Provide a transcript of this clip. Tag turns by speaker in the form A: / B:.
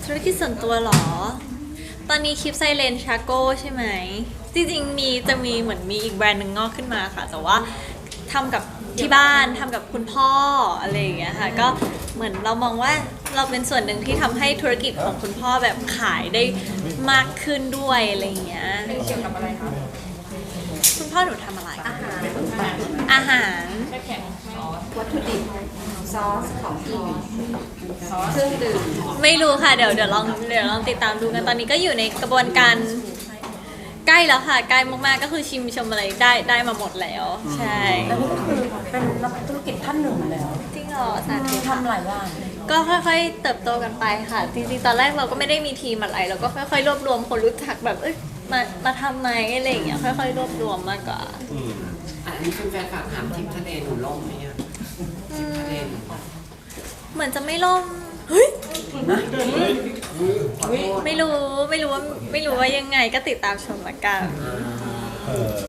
A: ธุรกิจส่วนตัวเหรอ ตอนนี้คลิปไซเลนชาโก้ใช่ไหม จริงๆจะมีเหมือนมีอีกแบรนด์หนึ่งงอกขึ้นมาค่ะ แต่ว่าทำกับที่บ้านทำกับคุณพ่ออะไรอย่างเงี้ยค่ะ ก็เหมือนเรามองว่าเราเป็นส่วนหนึ่งที่ทำให้ธุรกิจของคุณพ่อแบบขายได้มากขึ้นด้วยอะไรอย่างเงี้ย
B: เป็นเกี่ยวกับอะไรคะ
A: คุณพ่อหนูทำอะไร
B: อาหาร
A: อาหาร
B: แช่แข็งซอส
C: วัตถุดิบซอสของกินเครื่องดื่ม
A: ไม่รู้ค่ะเดี๋ยวลองติดตามดูกันตอนนี้ก็อยู่ในกระบวนการใกล้แล้วค่ะใกล้มากๆก็คือชิมชมอะไรได้มาหมดแล้วใช่
C: แล้วนี่ก็คือเป็นนักธุรกิจท่านหนึ่งแล้ว
A: จริงเหรอสาธุค่ะ
C: ทำหลายอย่าง
A: ก็ค่อยๆเติบโตกันไปค่ะจริงๆตอนแรกเราก็ไม่ได้มีทีมอะไรเราก็ค่อยๆรวบรวมคนรู้จักแบบมาทำไหมอะไรอย่างเงี้ยค่อยๆรวบรวมมากกว่า
D: อันนี้เป็นแฟนฝากถามทริปทะเลหนูล่มไหมอะทริปทะเลหนู
A: เหมือนจะไม่ล่มเฮ้ย
D: ขอโทษ
A: ไม่รู้ว่ายังไงก็ติดตามชมละกัน